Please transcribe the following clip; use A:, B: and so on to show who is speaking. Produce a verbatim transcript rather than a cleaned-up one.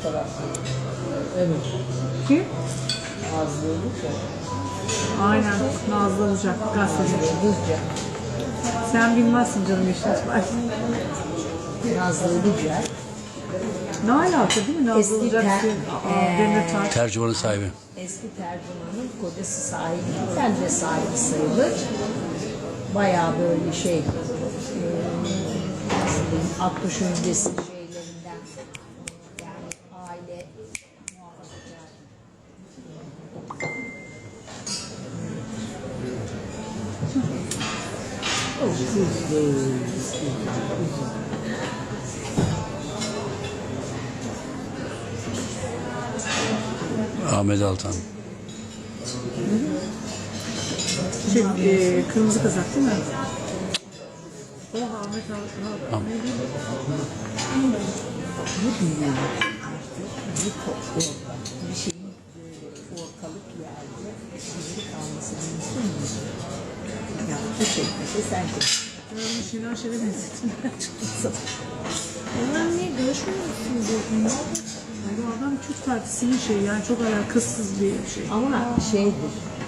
A: tarafta. Evet.
B: Kim?
A: Nazlı Ilıca.
B: Aynen. Nazlı Ilıcak. Gazeteci.
A: Ilıca.
B: Sen bilmezsin canım işte.
A: Nazlı Ilıca.
B: Ne alaka değil mi? Nazlı
A: Eski
B: Ilıcak.
A: ter-
B: Aa, Demirtaş.
C: Tercümanın sahibi.
A: Eski tercümanın kocası sahibi. Ben de sahibi sayılır. Bayağı böyle şey, e, nasıl diyeyim, Akbaş öncesi şeylerinden, yani aile muhafazakar. O kızdı.
C: Ahmet Altan.
B: Şey, e, kırmızı kazak değil mi? O Ahmet Altan. Ne diyeyim?
A: Bu dünya bir toplu bir şeyin böyle ortalık yerde gizli kalması mümkün mü? Ya bu çekmese sen çek.
B: Ben onu Şener Şen'e benzettim.
A: Onlar ne görüşmüyor musunuz bunlar?
B: Bu adam Kürt Partisi'nin şeyi yani çok alakasız bir şey.
A: Ama şeydir,